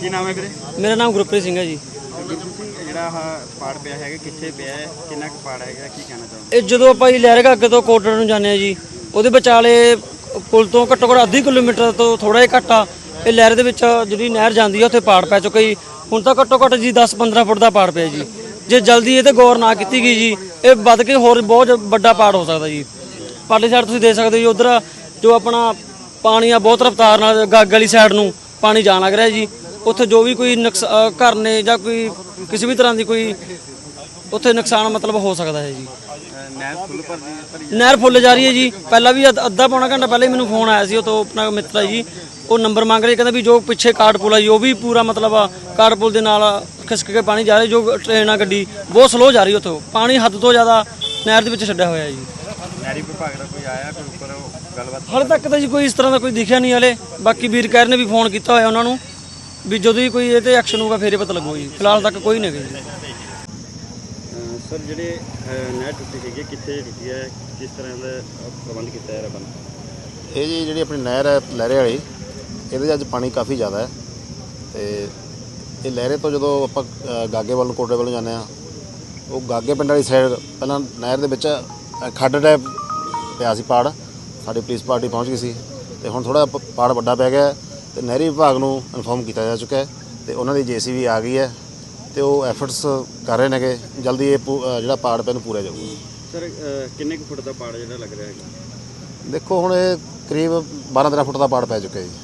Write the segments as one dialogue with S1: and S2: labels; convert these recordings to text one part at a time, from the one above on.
S1: ਕੀ ਨਾਮ ਹੈ ਵੀਰੇ?
S2: ਮੇਰਾ ਨਾਮ ਗੁਰਪ੍ਰੀਤ ਸਿੰਘ ਹੈ ਜੀ।
S1: ਜਿਹੜਾ ਆਹ ਪਾੜ ਪਿਆ ਹੈਗਾ ਕਿੱਥੇ ਪਿਆ ਹੈ, ਕਿੰਨਾ ਕੁ ਪਾੜ ਹੈਗਾ, ਕੀ ਕਹਿਣਾ ਚਾਹੁੰਦੇ?
S2: ਇਹ ਜਦੋਂ ਆਪਾਂ ਜੀ ਲਹਿਰਗਾ ਅੱਗੇ ਤੋਂ ਕੋਟੜ ਨੂੰ ਜਾਂਦੇ ਆ ਜੀ, ਉਹਦੇ ਵਿਚਾਲੇ ਪੁਲ ਤੋਂ ਘੱਟੋ ਘੱਟ ਅੱਧੀ ਕਿਲੋਮੀਟਰ ਤੋਂ ਥੋੜਾ ਜਿਹਾ ਘੱਟ ਆ ਇਹ ਲਹਿਰ ਦੇ ਵਿੱਚ ਜਿਹੜੀ ਨਹਿਰ ਜਾਂਦੀ ਆ ਉੱਥੇ ਪਾੜ ਪੈ ਚੁੱਕਾ ਜੀ। ਹੁਣ ਤਾਂ ਘੱਟੋ ਘੱਟ ਜੀ 10-15 ਫੁੱਟ ਦਾ ਪਾੜ ਪਿਆ ਜੀ। ਜੇ ਜਲਦੀ ਇਹ ਤੇ ਗੌਰ ਨਾ ਕੀਤੀ ਗਈ ਜੀ ਇਹ ਵੱਧ ਕੇ ਹੋਰ ਬਹੁਤ ਵੱਡਾ ਪਾੜ ਹੋ ਸਕਦਾ ਜੀ। ਪਾਰਲੀ ਸਾਈਡ ਤੁਸੀਂ ਦੇਖ ਸਕਦੇ ਹੋ ਜੀ, ਉਧਰ ਜੋ ਆਪਣਾ ਪਾਣੀ ਆ ਬਹੁਤ ਰਫ਼ਤਾਰ ਨਾਲ ਗੱਗ ਵਾਲੀ ਸਾਈਡ ਨੂੰ ਪਾਣੀ ਜਾਣ ਲੱਗ ਰਿਹਾ ਜੀ। ਉੱਥੇ ਜੋ ਵੀ ਕੋਈ ਘਰ ਨੇ ਜਾਂ ਕੋਈ ਕਿਸੇ ਵੀ ਤਰ੍ਹਾਂ ਦੀ ਕੋਈ ਉੱਥੇ ਨੁਕਸਾਨ ਮਤਲਬ ਹੋ ਸਕਦਾ ਹੈ ਜੀ। ਨਹਿਰ ਫੁੱਲ ਜਾ ਰਹੀ ਹੈ ਜੀ। ਪਹਿਲਾਂ ਵੀ ਅੱਧਾ ਪੌਣਾ ਘੰਟਾ ਪਹਿਲਾਂ ਹੀ ਮੈਨੂੰ ਫੋਨ ਆਇਆ ਸੀ, ਉਹ ਤੋਂ ਆਪਣਾ ਮਿੱਤਰ ਹੈ ਜੀ, ਉਹ ਨੰਬਰ ਮੰਗ ਰਿਹਾ, ਕਹਿੰਦਾ ਵੀ ਜੋ ਪਿੱਛੇ ਕਾਟ ਪੁਲ ਆ ਜੀ ਉਹ ਵੀ ਪੂਰਾ ਮਤਲਬ ਕਾਟ ਪੁਲ ਦੇ ਨਾਲ ਖਿਸਕ ਕੇ ਪਾਣੀ ਜਾ ਰਿਹਾ। ਜੋ ਟ੍ਰੇਨ ਆ ਗੱਡੀ ਬਹੁਤ ਸਲੋ ਜਾ ਰਹੀ ਉੱਥੋਂ, ਪਾਣੀ ਹੱਦ ਤੋਂ ਜ਼ਿਆਦਾ ਨਹਿਰ ਦੇ ਵਿੱਚ ਛੱਡਿਆ ਹੋਇਆ ਜੀ।
S1: ਨਹਿਰੀ ਵਿਭਾਗ ਦਾ ਕੋਈ ਆਇਆ ਕੋਈ ਉੱਪਰ ਗੱਲਬਾਤ?
S2: ਹਾਲੇ ਤੱਕ ਤਾਂ ਜੀ ਕੋਈ ਇਸ ਤਰ੍ਹਾਂ ਦਾ ਕੋਈ ਦਿਖਿਆ ਨਹੀਂ। ਹਲੇ ਬਾਕੀ ਵੀਰ ਕਹਿਰ ਨੇ ਵੀ ਫੋਨ ਕੀਤਾ ਹੋਇਆ ਉਹਨਾਂ ਨੂੰ ਵੀ ਜਦੋਂ ਵੀ ਕੋਈ ਇਹ ਤੇ ਐਕਸ਼ਨ ਹੋਊਗਾ ਫੇਰ ਹੀ ਪਤਾ ਲੱਗੂਗਾ ਜੀ। ਫਿਲਹਾਲ ਤੱਕ ਕੋਈ ਨਹੀਂ ਹੈਗਾ ਜੀ।
S1: ਸਰ ਜਿਹੜੇ ਨਹਿਰ ਟੁੱਟੀ ਹੈਗੀ ਕਿੱਥੇ ਟੁੱਟੀ ਹੈ, ਕਿਸ ਤਰ੍ਹਾਂ ਦਾ ਪ੍ਰਬੰਧ ਕੀਤਾ ਹੈ ਰੱਬ ਨੇ?
S3: ਇਹ ਜੀ ਜਿਹੜੀ ਆਪਣੀ ਨਹਿਰ ਹੈ ਲਹਿਰੇ ਵਾਲੀ, ਇਹਦੇ 'ਚ ਅੱਜ ਪਾਣੀ ਕਾਫੀ ਜ਼ਿਆਦਾ ਹੈ ਤੇ ਇਹ ਲਹਿਰੇ ਤੋਂ ਜਦੋਂ ਆਪਾਂ ਗਾਗੇ ਵੱਲ ਨੂੰ ਕੋਟੇ ਵੱਲ ਨੂੰ ਜਾਂਦੇ ਹਾਂ, ਉਹ ਗਾਗੇ ਪਿੰਡ ਵਾਲੀ ਸਾਈਡ ਪਹਿਲਾਂ ਨਹਿਰ ਦੇ ਵਿੱਚ ਖੱਡ ਟਾਈਪ ਪਿਆ ਸੀ ਪਾੜ। ਸਾਡੀ ਪੁਲਿਸ ਪਾਰਟੀ ਪਹੁੰਚ ਗਈ ਸੀ ਤੇ ਹੁਣ ਥੋੜ੍ਹਾ ਪਾੜ ਵੱਡਾ ਪੈ ਗਿਆ ਤੇ ਨਹਿਰੀ ਵਿਭਾਗ ਨੂੰ ਇਨਫੋਰਮ ਕੀਤਾ ਜਾ ਚੁੱਕਾ ਹੈ ਤੇ ਉਹਨਾਂ ਦੀ JCB ਆ ਗਈ ਹੈ ਤੇ ਉਹ ਐਫਰਟਸ ਕਰ ਰਹੇ ਨੇ ਕਿ ਜਲਦੀ ਇਹ ਜਿਹੜਾ ਪਾੜ ਪਿਆ ਨੂੰ ਪੂਰਿਆ ਜਾਊਗਾ।
S1: ਸਰ ਕਿੰਨੇ ਕੁ ਫੁੱਟ ਦਾ ਪਾੜ ਜਿਹੜਾ ਲੱਗ ਰਿਹਾ ਹੈਗਾ?
S3: ਦੇਖੋ ਹੁਣ ਇਹ ਕਰੀਬ 12-13 ਫੁੱਟ ਦਾ ਪਾੜ ਪੈ ਚੁੱਕਿਆ ਜੀ।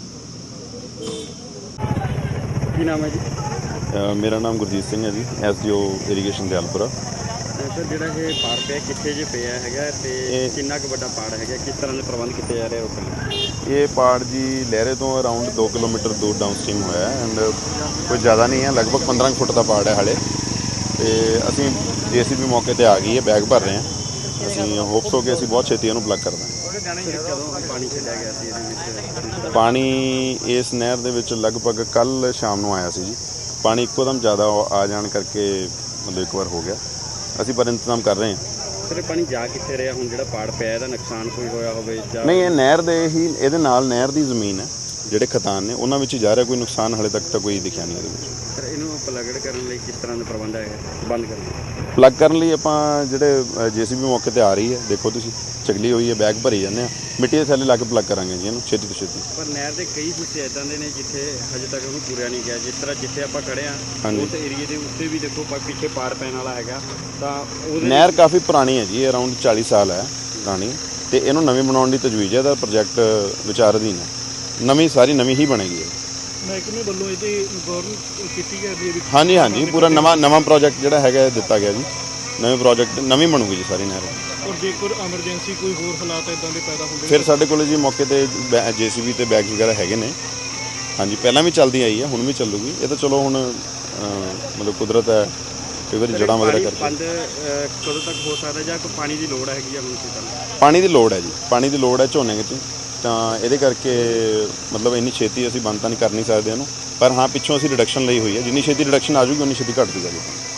S1: ਕੀ ਨਾਮ ਹੈ ਜੀ?
S4: ਮੇਰਾ ਨਾਮ ਗੁਰਜੀਤ ਸਿੰਘ ਹੈ ਜੀ, SDO ਇਰੀਗੇਸ਼ਨ ਦਿਆਲਪੁਰਾ।
S1: ਸਰ ਜਿਹੜਾ ਇਹ ਪਾੜ ਪਿਆ ਕਿੱਥੇ ਜੇ ਪਿਆ ਹੈਗਾ ਤੇ ਕਿੰਨਾ ਕੁ ਵੱਡਾ ਪਾੜ ਹੈਗਾ, ਕਿਸ ਤਰ੍ਹਾਂ ਦੇ ਪ੍ਰਬੰਧ ਕੀਤੇ ਜਾ ਰਹੇ ਰੋਕਣ ਲਈ?
S4: ਇਹ ਪਾੜ ਜੀ ਲਹਿਰੇ ਤੋਂ ਅਰਾਊਂਡ 2 ਕਿਲੋਮੀਟਰ ਦੂਰ ਡਾਊਨ ਸਟ੍ਰੀਮ ਹੋਇਆ ਹੈ ਐਂਡ ਕੋਈ ਜ਼ਿਆਦਾ ਨਹੀਂ ਹੈ, ਲਗਭਗ 15 ਫੁੱਟ ਦਾ ਪਾੜ ਹੈ ਹਾਲੇ। ਤੇ ਅਸੀਂ JCB ਮੌਕੇ ਤੇ ਆ ਗਈ ਹੈ, ਬੈਗ ਭਰ ਰਹੇ ਹਾਂ। ਅਸੀਂ ਹੋਪਸ ਹੋ ਕੇ ਅਸੀਂ ਬਹੁਤ ਛੇਤੀ ਇਹਨੂੰ ਪਲੱਗ ਕਰ ਦਾਂਗੇ।
S1: ਕਦੋਂ ਪਾਣੀ ਛੱਡਿਆ ਗਿਆ ਸੀ ਇਹਦੇ ਵਿੱਚ?
S4: ਪਾਣੀ ਇਸ ਨਹਿਰ ਦੇ ਵਿੱਚ ਲਗਭਗ ਕੱਲ ਸ਼ਾਮ ਨੂੰ ਆਇਆ ਸੀ ਜੀ। ਪਾਣੀ ਇੱਕੋਦਮ ਜ਼ਿਆਦਾ ਆ ਜਾਣ ਕਰਕੇ ਮਤਲਬ ਇੱਕ ਵਾਰ ਹੋ ਗਿਆ। ਅਸੀਂ ਪਰ ਇੰਤਜ਼ਾਮ ਕਰ ਰਹੇ ਹਾਂ।
S1: ਸਰ ਇਹ ਪਾਣੀ ਜਾ ਕਿੱਥੇ ਰਿਹਾ ਹੁਣ ਜਿਹੜਾ ਪਾੜ ਪਿਆ, ਇਹਦਾ ਨੁਕਸਾਨ ਕੋਈ ਹੋਇਆ ਹੋਵੇ ਜਾਂ
S4: ਨਹੀਂ? ਇਹ ਨਹਿਰ ਦੇ ਹੀ ਇਹਦੇ ਨਾਲ ਨਹਿਰ ਦੀ ਜ਼ਮੀਨ ਹੈ, ਜਿਹੜੇ ਖਤਾਨ ਨੇ ਉਹਨਾਂ ਵਿੱਚ ਹੀ ਜਾ ਰਿਹਾ। ਕੋਈ ਨੁਕਸਾਨ ਹਾਲੇ ਤੱਕ ਤਾਂ ਕੋਈ ਦਿਖਿਆ ਨਹੀਂ ਇਹਦੇ ਵਿੱਚ।
S1: ਸਰ ਇਹਨੂੰ ਪਲਗੜ ਕਰਨ ਲਈ ਕਿਸ ਤਰ੍ਹਾਂ ਦਾ ਪ੍ਰਬੰਧ ਹੈ ਬੰਦ ਕਰਨ ਲਈ?
S4: ਪਲੱਗ ਕਰਨ ਲਈ ਆਪਾਂ ਜਿਹੜੇ JCB ਮੌਕੇ ਤੇ ਆ ਰਹੀ ਹੈ, ਦੇਖੋ ਤੁਸੀਂ ਚਗਲੀ ਹੋਈ ਹੈ, ਬੈਗ ਭਰੀ ਜਾਂਦੇ ਆ, ਮਿੱਟੀ ਦੇ ਥੱਲੇ ਲਾ ਕੇ ਪਲੱਗ ਕਰਾਂਗੇ ਜੀ ਇਹਨੂੰ ਛੇਤੀ ਤੋਂ ਛੇਤੀ।
S1: ਪਰ ਨਹਿਰ ਦੇ ਕਈ ਹਿੱਸੇ ਇਦਾਂ ਦੇ ਨੇ ਜਿੱਥੇ ਹਜੇ ਤੱਕ ਉਹਨੂੰ ਪੂਰਿਆ ਨਹੀਂ ਗਿਆ। ਜਿਸ ਤਰ੍ਹਾਂ ਜਿੱਥੇ ਆਪਾਂ ਖੜੇ ਹਾਂ ਉਸ ਏਰੀਏ ਦੇ ਉੱਤੇ ਵੀ ਦੇਖੋ ਪਿੱਛੇ ਪਾੜ ਪੈਣ ਵਾਲਾ ਹੈਗਾ। ਤਾਂ ਉਹਦੇ
S4: ਨਹਿਰ ਕਾਫੀ ਪੁਰਾਣੀ ਹੈ ਜੀ, ਅਰਾਊਂਡ 40 ਸਾਲ ਹੈ ਪੁਰਾਣੀ ਤੇ ਇਹਨੂੰ ਨਵੀਂ ਬਣਾਉਣ ਦੀ ਤਜਵੀਜ਼ ਹੈ। ਇਹਦਾ ਪ੍ਰੋਜੈਕਟ ਵਿਚਾਰ ਅਧੀਨ ਹੈ, ਨਵੀਂ ਸਾਰੀ ਨਵੀਂ ਹੀ ਬਣੇਗੀ।
S1: ਮਹਿਕਮੇ ਵੱਲੋਂ ਇਹ ਤੇ ਗੌਰ ਕੀਤੀ ਗਈ ਹੈ?
S4: ਹਾਂਜੀ ਪੂਰਾ ਨਵਾਂ ਪ੍ਰੋਜੈਕਟ ਜਿਹੜਾ ਹੈਗਾ ਦਿੱਤਾ ਗਿਆ ਜੀ। ਨਵੇਂ ਪ੍ਰੋਜੈਕਟ ਨਵੀਂ ਬਣੂਗੀ ਜੀ ਸਾਰੀ ਨਹਿਰ।
S1: ਔਰ ਜੇਕਰ ਐਮਰਜੈਂਸੀ ਕੋਈ ਹੋਰ ਹਾਲਾਤ ਇਦਾਂ ਦੇ ਪੈਦਾ ਹੁੰਦੇ
S4: ਫਿਰ ਸਾਡੇ ਕੋਲ ਜੀ ਮੌਕੇ ਤੇ JCB ਤੇ ਬੈਗ ਵਗੈਰਾ ਹੈਗੇ ਨੇ। ਹਾਂਜੀ ਪਹਿਲਾਂ ਵੀ ਚੱਲਦੀ ਆਈ ਹੈ, ਹੁਣ ਵੀ ਚੱਲੂਗੀ। ਇਹ ਤਾਂ ਚਲੋ ਹੁਣ ਮਤਲਬ ਕੁਦਰਤ ਹੈ, ਕਈ ਵਾਰੀ ਜੜ੍ਹਾਂ ਵਗੈਰਾ ਕਰਕੇ।
S1: ਬੰਦ ਕਦੋਂ ਤੱਕ ਹੋ ਸਕਦਾ ਜਾਂ ਕੋਈ ਪਾਣੀ ਦੀ ਲੋੜ ਹੈਗੀ ਆ ਹੁਣ?
S4: ਪਾਣੀ ਦੀ ਲੋੜ ਹੈ ਜੀ, ਪਾਣੀ ਦੀ ਲੋੜ ਹੈ ਝੋਨੇ ਵਿੱਚ, ਤਾਂ ਇਹਦੇ ਕਰਕੇ ਮਤਲਬ ਇੰਨੀ ਛੇਤੀ ਅਸੀਂ ਬੰਦ ਤਾਂ ਨਹੀਂ ਕਰ ਨਹੀਂ ਸਕਦੇ ਇਹਨੂੰ, ਪਰ ਹਾਂ ਪਿੱਛੋਂ ਅਸੀਂ ਰਿਡਕਸ਼ਨ ਲਈ ਹੋਈ ਹੈ। ਜਿੰਨੀ ਛੇਤੀ ਰਿਡਕਸ਼ਨ ਆ ਜੂਗੀ ਉਨੀ ਛੇਤੀ ਘੱਟ ਜੂਗਾ ਜੀ।